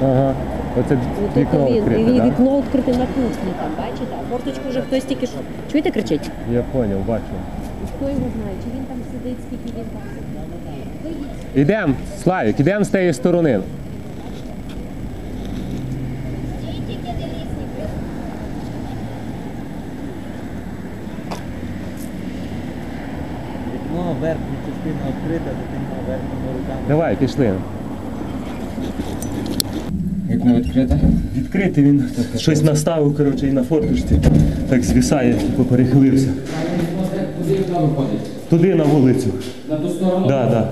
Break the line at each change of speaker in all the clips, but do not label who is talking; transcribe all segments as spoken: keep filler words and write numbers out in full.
Ага. Оце
От
вікно
він,
відкрите,
і
так?
вікно відкрите на кухні, там, бачите? А форточку вже хтось тільки що... Чуєте, кричить?
Я зрозумів, бачу.
Хто його знає, чи він там сидить, скільки він там сидить?
Ідемо, Славік, ідемо з тієї сторони.
Вікно, верхня частина відкрита, дитина верхніми руками.
Давай, пішли.
Вікно відкрите?
Відкритий він щось наставив, коротше, і на форточці так звісає, типу перехилився.
Куди вікно виходить?
Туди на вулицю.
На ту сторону?
Так, так.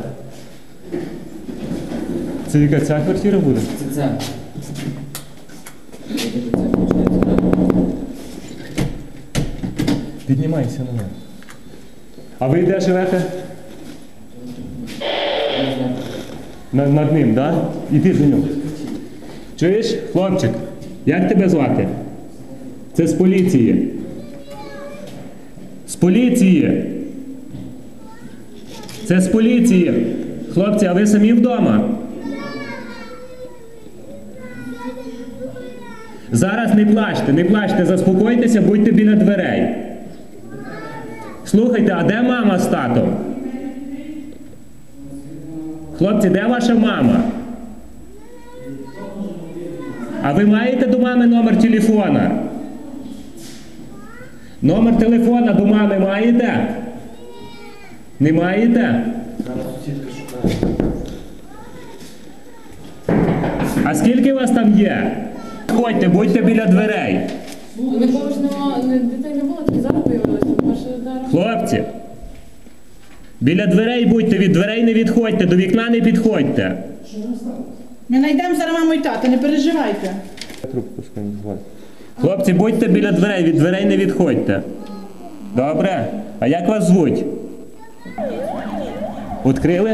Це яка ця квартира буде?
Це це. Це виходить, так?
Піднімайся на мене. А ви де живете? На, над ним, так? Да? Іди до нього. Чуєш, хлопчик? Як тебе звати? Це з поліції. З поліції. Це з поліції. Хлопці, а ви самі вдома? Зараз не плачте, не плачте, заспокойтеся, будьте біля дверей. Слухайте, а де мама з татом? Хлопці, де ваша мама? А ви маєте до мами номер телефона? Номер телефона до мами маєте? Не маєте? А скільки вас там є? Ходьте, будьте біля дверей.
Нікого ж нема, дітей не було, тільки зараз появилися.
Хлопці, біля дверей будьте, від дверей не відходьте, до вікна не підходьте.
Ми знайдемо зараз маму і тата, не переживайте.
Хлопці, будьте біля дверей, від дверей не відходьте. Добре? А як вас звуть? Відкрили?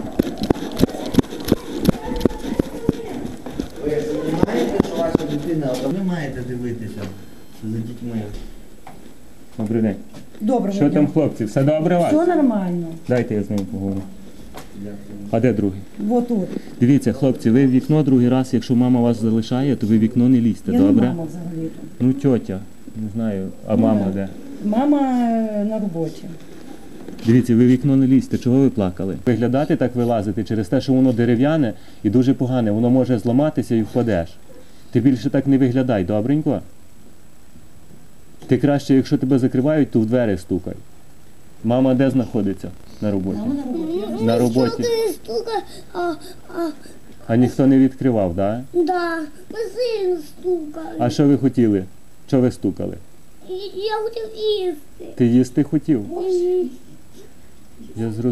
Ви розумієте, що ваша дитина, ви маєте дивитися за дітьми.
Добрий день.
Добре,
Що там, хлопці, все добре у вас?
Все нормально.
Дайте я з ним поговорю. А де другий?
Вот тут.
Дивіться, хлопці, ви в вікно другий раз, якщо мама вас залишає, то ви в вікно не лізьте,
Я
добре?
не мама взагалі.
Ну, тьотя, не знаю, а мама де?
Мама е, на роботі.
Дивіться, ви в вікно не лізьте, чого ви плакали? Виглядати так вилазити через те, що воно дерев'яне і дуже погане, воно може зламатися і впадеш. Ти більше так не виглядай, добренько? Ти краще, якщо тебе закривають, то в двері стукай. Мама де знаходиться? На роботі.
Мама на роботі.
На роботі.
Стука, а, а,
А ніхто не відкривав, так? Да?
да, ми сильно стукали.
А що ви хотіли? Що ви стукали?
І- Я хотів їсти.
Ти їсти хотів?
Мгм.
Я зрозумів.